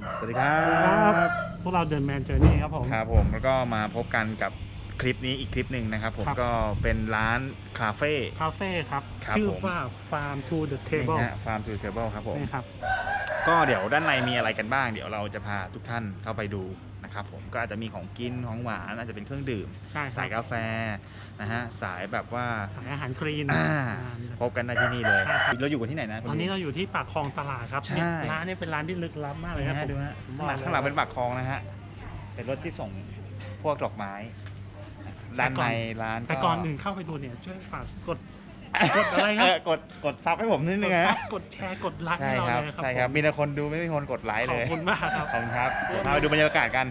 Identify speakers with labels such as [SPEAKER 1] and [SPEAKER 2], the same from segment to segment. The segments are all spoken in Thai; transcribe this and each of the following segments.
[SPEAKER 1] สวัสดีครับ
[SPEAKER 2] พวกเราเดินแมนเจอร์นี่ครับผม
[SPEAKER 1] แล้วก็มาพบกันกับคลิปนี้อีกคลิปหนึ่งนะครับผมก็เป็นร้านคาเฟ่
[SPEAKER 2] ครับชื่อว่า Farm to the Table
[SPEAKER 1] Farm to the Table ครับผม
[SPEAKER 2] นี่ครับ
[SPEAKER 1] ก็เดี๋ยวด้านในมีอะไรกันบ้างเดี๋ยวเราจะพาทุกท่านเข้าไปดูนะครับผมก็อาจจะมีของกินของหวานอาจจะเป็นเครื่องดื่มสายกาแฟนะฮะสายแบบว่า
[SPEAKER 2] สายอาหารคลีน
[SPEAKER 1] พบกันในที่นี่เลยเราอยู่กันที่ไหนนะ
[SPEAKER 2] ตอนนี้เราอยู่ที่ปากคลองตลาดครับร้านนี้เป็นร้านที่ลึกลับมากเลยครับ
[SPEAKER 1] ดูฮะข้างหลังเป็นปากคลองนะฮะเป็นรถที่ส่งพวกดอกไม้ด้านในร้าน
[SPEAKER 2] แต่ก่อนอื่นเข้าไปดูเนี่ยช่วยฝากกดอะไรครับ
[SPEAKER 1] กดซับให้ผมนิดนึงนะ
[SPEAKER 2] กดแชร์กดไลค์ให้เราเลยครับ
[SPEAKER 1] ใช่ครับมีแต่คนดูไม่มีคนกดไลค์เลย
[SPEAKER 2] ขอบคุณมากครับ
[SPEAKER 1] ขอบคุณครับมาดูบรรยากาศกัน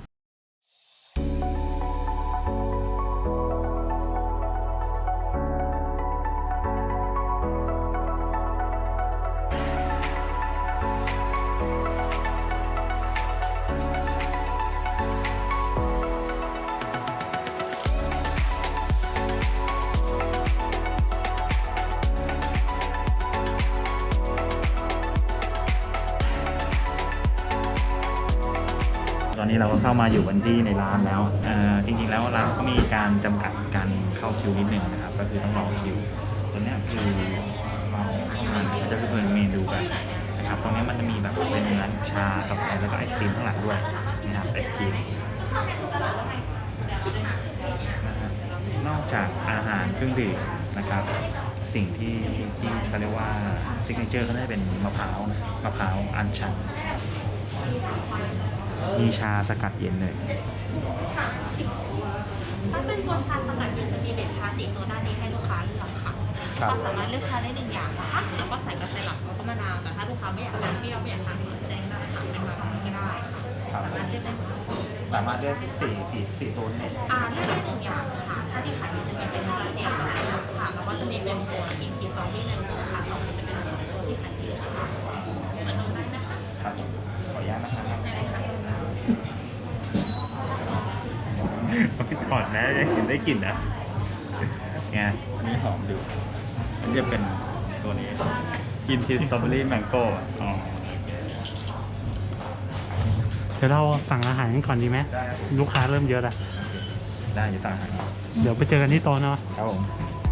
[SPEAKER 1] ตอนนี้เราก็เข้ามาอยู่กันที่ในร้านแล้วจริงๆแล้วร้านก็มีการจำกัดการเข้าคิวนิดนึงนะครับก็คือต้องรอคิวตอนนี้คือเราเข้ามาจะเป็นเมนูกันนะครับตรงนี้มันจะมีแบบเป็นร้านชากาแฟแล้วก็ไอศครีมข้างหลังด้วยนะครับไอศครีมนอกจากอาหารเครื่องดื่มนะครับสิ่งที่เขาเรียกว่าซิกเนเจอร์ก็ได้เป็นมะพร้าวอัญชันมีชาสกัดเย็นเลย
[SPEAKER 3] ถ้าเป็นตัวชาสกัดเย็นจะมีเบ็ดชา4 ตัวด้านนี้ให้ลูกค้าเลือกค่ะเราสามารถเลือกชาได้1 อย่างนะคะแล้วก็ใส่กาแฟหลักแล้วก็มะนาวแต่ถ้าลูกค้าไม่อยากทานเปรี้ยวไม่อยากทานแดงได้ค่ะเป็นแบบนี้ก็ได้ค่ะสามารถเลือกได้หมด
[SPEAKER 1] สามารถเลือกสี่ตัวนี่
[SPEAKER 3] เลือกได้1 อย่างค่ะถ้าที่ขายดีจะมีเป็นกระเจี๊ยบกับค่ะแล้วก็จะมีเป็นตัวกินกีซองที่1ค่ะ2จะเป็นตัวที่ขายดีค่ะมาดูได้นะคะ
[SPEAKER 1] ครับขออนุญาตนะครับพี่ถอดนะยังเห็นได้กลิ่นนะไงอันนี้หอมดูอันนี้จะเป็นตัวนี้กินทีสตรอเบอรี่แมงโก้
[SPEAKER 2] เดี๋ยวเราสั่งอาหารกันก่อนดีไหมลูกค้าเริ่มเยอะแล้ว
[SPEAKER 1] ได้จะสั่งอาหาร
[SPEAKER 2] เดี๋ยวไปเจอกันที่โต๊ะเนาะ
[SPEAKER 1] ครับผม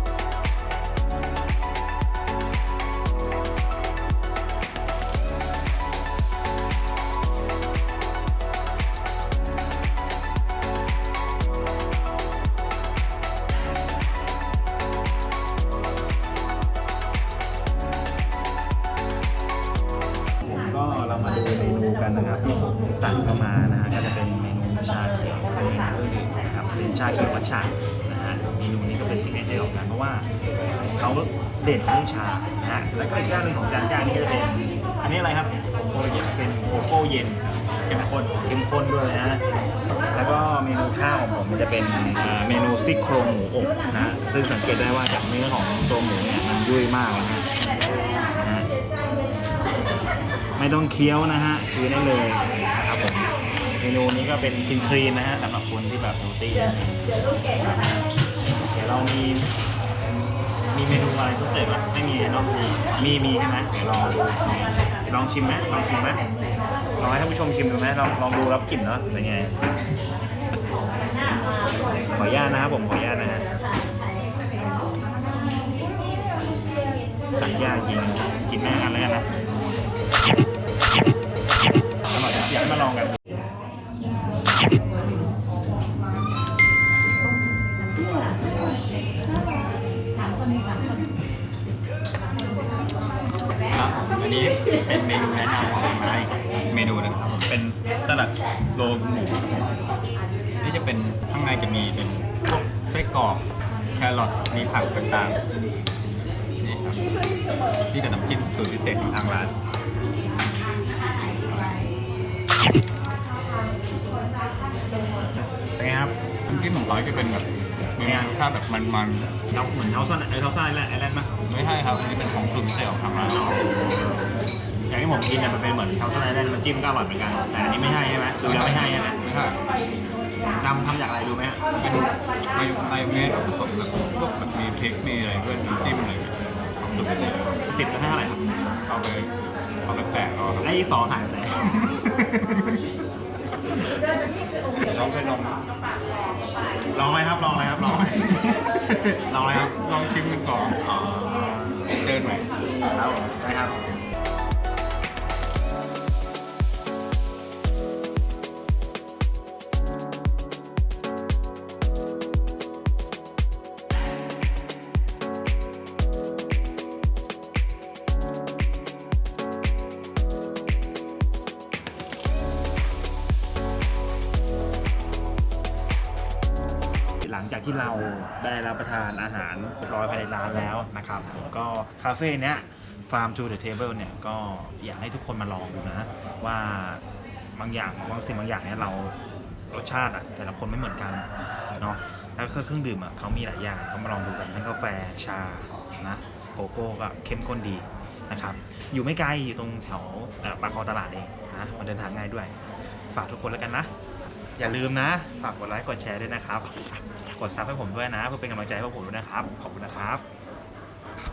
[SPEAKER 1] เรามาดูเมนูกันนะครับที่ผมสั่งเข้ามานะฮะก็จะเป็นเมนูชาเขียวนะครับเป็นชาเขียวมัทฉะนะฮะเมนูนี้ก็เป็นซิกเนเจอร์ของกันเพราะว่าเขาเด่นเรื่องชานะฮะแล้วก็อีกอย่างหนึ่งของจานย่างนี้ก็จะเป็นอันนี้อะไรครับเป็นโกโก้เย็นเข้มข้นด้วยนะแล้วก็เมนูข้าวของผมมันจะเป็นเมนูซี่โครงหมูอบนะซึ่งสังเกตได้ว่าจากเนื้อของตัวหมูเนี่ยมันยุ่ยมากแล้วนะไม่ต้องเคี้ยวนะฮะคือได้เลยครับผมเมนูนี้ก็เป็นคลีนนะฮะสำหรับคนที่แบบเฮลตี้เดี๋ยวเรามีเมนูอะไรทุกเด็ดไหมไม่มีเนาะมีใช่ไหมเดี๋ยวลองชิมไหมลองให้ท่านผู้ชมชิมดูไหมลองดูรับกลิ่นเนาะเป็นไงขออนุญาตนะครับผมขออนุญาตนะฮะสั่งยากจริงกินแม่กันแล้วกันนะอร่อยอยากมาลองกันครับอันนี้เป็นเมนูแนะนำของมาอีกเมนูนึงครับผมเป็นสลัดโรลหมูนี่จะเป็นข้างในจะมีเป็นพวกไส้กรอกแครอทมีผักต่างๆนี่ครับที่กับน้ำจิ้มสูตรพิเศษของทางร้านเป็นไงครับน้ำจิ้มของเขาจะเป็นแบบมีรสชาติแบบมันเหมือนเทาซ่าไอแลนด์มั้ยไม่ใช่ครับอันนี้เป็นของสูตรพิเศษของทางร้านอย่างที่ผมกินเนี่ยมันเป็นเหมือนเทาซ่าไอแลนด์มันจิ้มก็อร่อยเหมือนกันแต่อันนี้ไม่ใช่ใช่ไหมดูแล้วไม่ใช่ใช่ไหมไม่ใช่ทำจากอะไรดูไหมฮะเป็นไมโอเนสผสมกับพวกแบบมีพริกมีอะไรด้วยน้ำจิ้มอะไรสูตรพิเศษ10 แล้วให้เท่าไหร่ครับเอาไป8ก็ไอ้2หายไปไหนลองเคยลองไหมครับลองไหมครับลองไหมลองไหมครับ
[SPEAKER 2] ลองชิมกันก่อน
[SPEAKER 1] เดินไหมครับใช่ครับหลังจากที่เราได้รับประทานอาหารเรียบร้อยภายในร้านแล้วนะครับก็คาเฟ่เนี้ย Farm to the Table เนี่ยก็อยากให้ทุกคนมาลองดูนะว่าบางอย่างบางสิ่งบางอย่างเนี่ยเรารสชาติอะแต่ละคนไม่เหมือนกันเนาะแล้วก็เครื่องดื่มอะเขามีหลายอย่างเขามาลองดูกันทั้งกาแฟชานะโกโก้ก็เข้มข้นดีนะครับอยู่ไม่ไกลอยู่ตรงแถวปากคลองตลาดเองนะมันเดินทางง่ายด้วยฝากทุกคนแล้วกันนะอย่าลืมนะฝากกดไลค์กดแชร์ด้วยนะครับกดซับให้ผมด้วยนะเพื่อเป็นกำลังใจให้พวกผมด้วยนะครับขอบคุณนะครับ